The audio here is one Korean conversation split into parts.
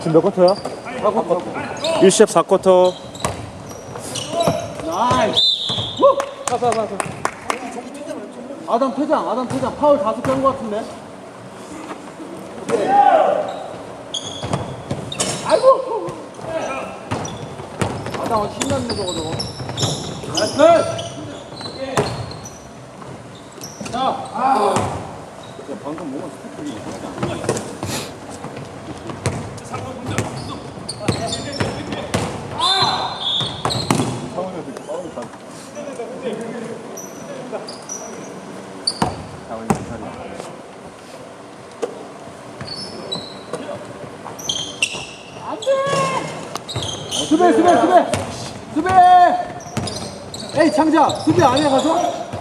지금 몇 쿼터야? 1시합 4쿼터. 나이스. 후! 가. 아담 퇴장. 파울 5개 한 거 같은데? 아이고! 아담 신났네, 저거. 나이스! 자, 방금 뭐가 스태프이 이상하지 않나? 수비! 에이, 창자, 수비 안 해, 가서?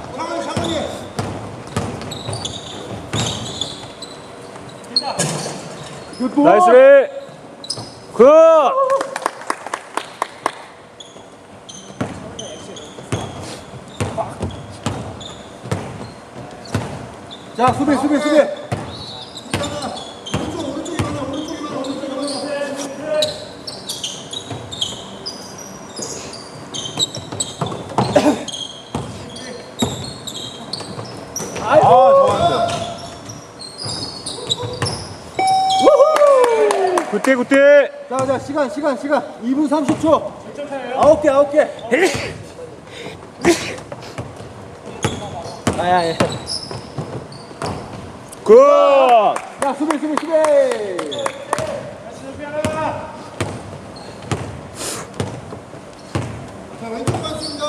나이스 리. 굿. 자, 수비! 굿대. 자, 시간. 2분 30초. 9개. 야. 굿. 자, 수비. 자, 왼쪽 갔습니다.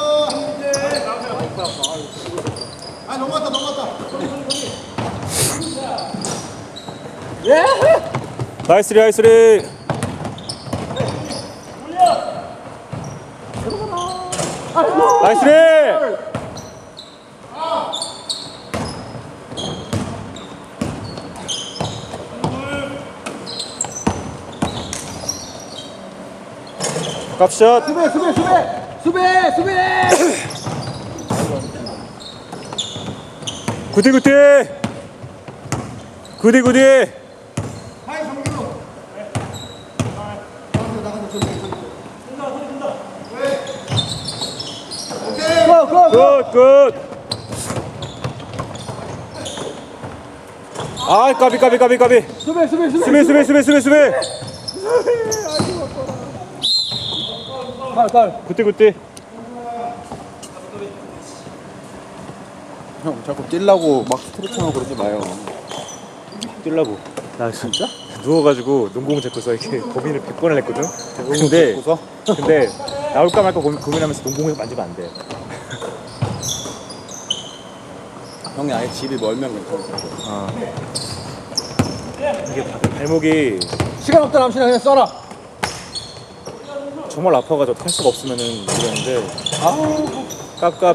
아, 넘어갔다. 예! 나이스 리. 나이스 리. 값샷. 수비! 굿대. 하이, 정규로. 나가자, 오케이. 굿. 아, 까비. 수비. 갈. 굿대. 형, 자꾸 뛰려고 막 스트레칭하고 그러지 마요. 뛰려고. 나 진짜? 누워가지고 농구공 잡고서 이렇게 고민을 100번을 했거든? 근데 나올까 말까 고민하면서 농구공을 만지면 안 돼. 형이 아예 집이 멀면 괜찮아. 이게 발목이 시간 없다, 남신아. 그냥 써라. 정말 아파가지고 탈 수가 없으면은 모르겠는데. 깝.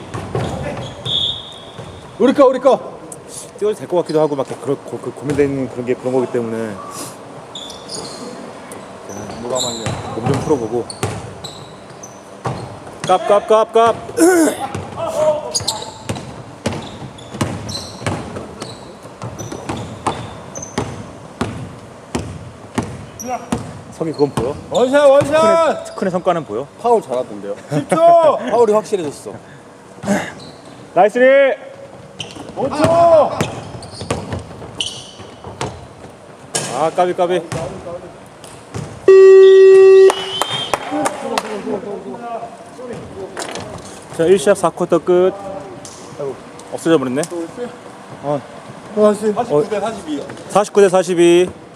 우리 거. 뛰어도 될 것 같기도 하고 막 고민되는 그런 거기 때문에 누가 말려? 몸 좀 풀어보고. 깝. 성이 그건 보여? 원샷! 특훈의 성과는 보여? 파울 잘하던데요. 10초! 파울이 확실해졌어. 나이스 리. 5초! 아, 까비. 자, 1시합 4쿼터 끝. 없어져 버렸네. 49대 42. 49대 42.